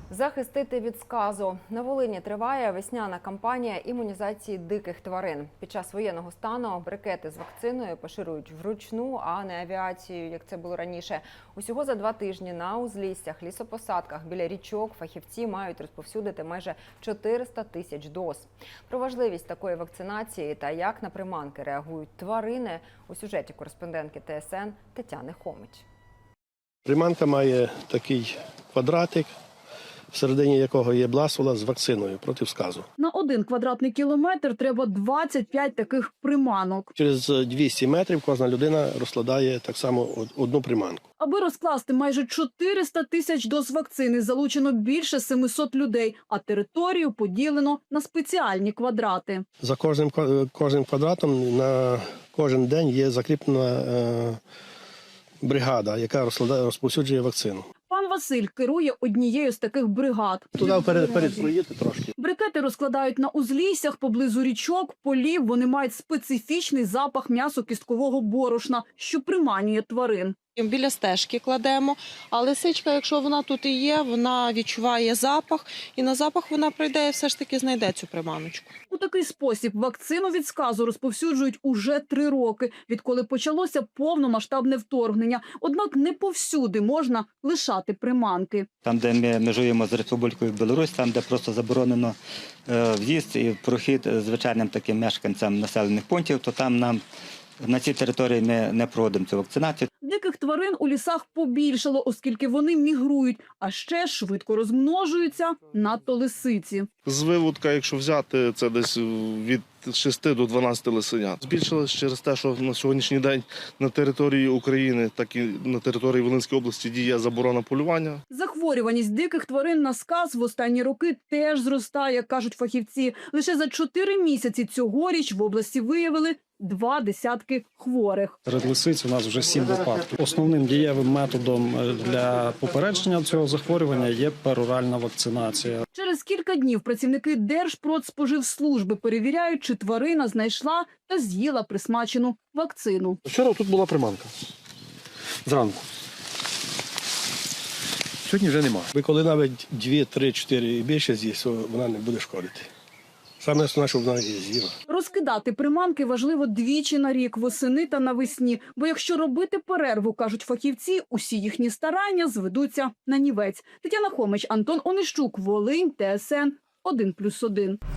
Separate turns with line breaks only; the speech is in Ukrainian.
Захистити від сказу. На Волині триває весняна кампанія імунізації диких тварин. Під час воєнного стану брикети з вакциною поширюють вручну, а не авіацією, як це було раніше. Усього за 2 тижні на узліссях, лісопосадках, біля річок фахівці мають розповсюдити майже 400 тисяч доз. Про важливість такої вакцинації та як на приманки реагують тварини у сюжеті кореспондентки ТСН Тетяни Хомич.
Приманка має такий квадратик, всередині якого є бласула з вакциною проти сказу.
На 1 квадратний кілометр треба 25 таких приманок.
Через 200 метрів кожна людина розкладає так само одну приманку.
Аби розкласти майже 400 тисяч доз вакцини, залучено більше 700 людей, а територію поділено на спеціальні квадрати.
За кожним квадратом на кожен день є закріплена бригада, яка розповсюджує вакцину.
Пан Василь керує однією з таких бригад.
Туди вперед проїдьте трошки.
Брикети розкладають на узліссях поблизу річок, полів. Вони мають специфічний запах м'ясо-кісткового борошна, що приманює тварин.
Біля стежки кладемо, а лисичка, якщо вона тут і є, вона відчуває запах, і на запах вона прийде і все ж таки знайде цю приманочку.
У такий спосіб вакцину від сказу розповсюджують уже 3 роки, відколи почалося повномасштабне вторгнення. Однак не повсюди можна лишати приманки.
Там, де ми межуємо з Республікою Білорусь, там, де просто заборонено в'їзд і прохід звичайним таким мешканцям населених пунктів, то там нам на цій території ми не проводимо цю вакцинацію.
Диких тварин у лісах побільшало, оскільки вони мігрують, а ще швидко розмножуються, надто лисиці.
З виводка, якщо взяти, це десь від 6 до 12 лисенят. Збільшилось через те, що на сьогоднішній день на території України, так і на території Волинської області діє заборона полювання.
Захворюваність диких тварин на сказ в останні роки теж зростає, кажуть фахівці. Лише за 4 місяці цьогоріч в області виявили 20 хворих.
Серед лисиць у нас вже 7 випадків. Основним дієвим методом для попередження цього захворювання є пероральна вакцинація.
Через кілька днів працівники Держпродспоживслужби перевіряють, чи тварина знайшла та з'їла присмачену вакцину.
Вчора тут була приманка. Зранку. Сьогодні вже нема.
Ви коли навіть 2, 3, 4 і більше з'їсть, вона не буде шкодити. Саме основне, щоб вона її з'їла.
Розкидати приманки важливо 2 на рік – восени та навесні. Бо якщо робити перерву, кажуть фахівці, усі їхні старання зведуться на нівець. Тетяна Хомич, Антон Онищук, Волинь, ТСН 1+1.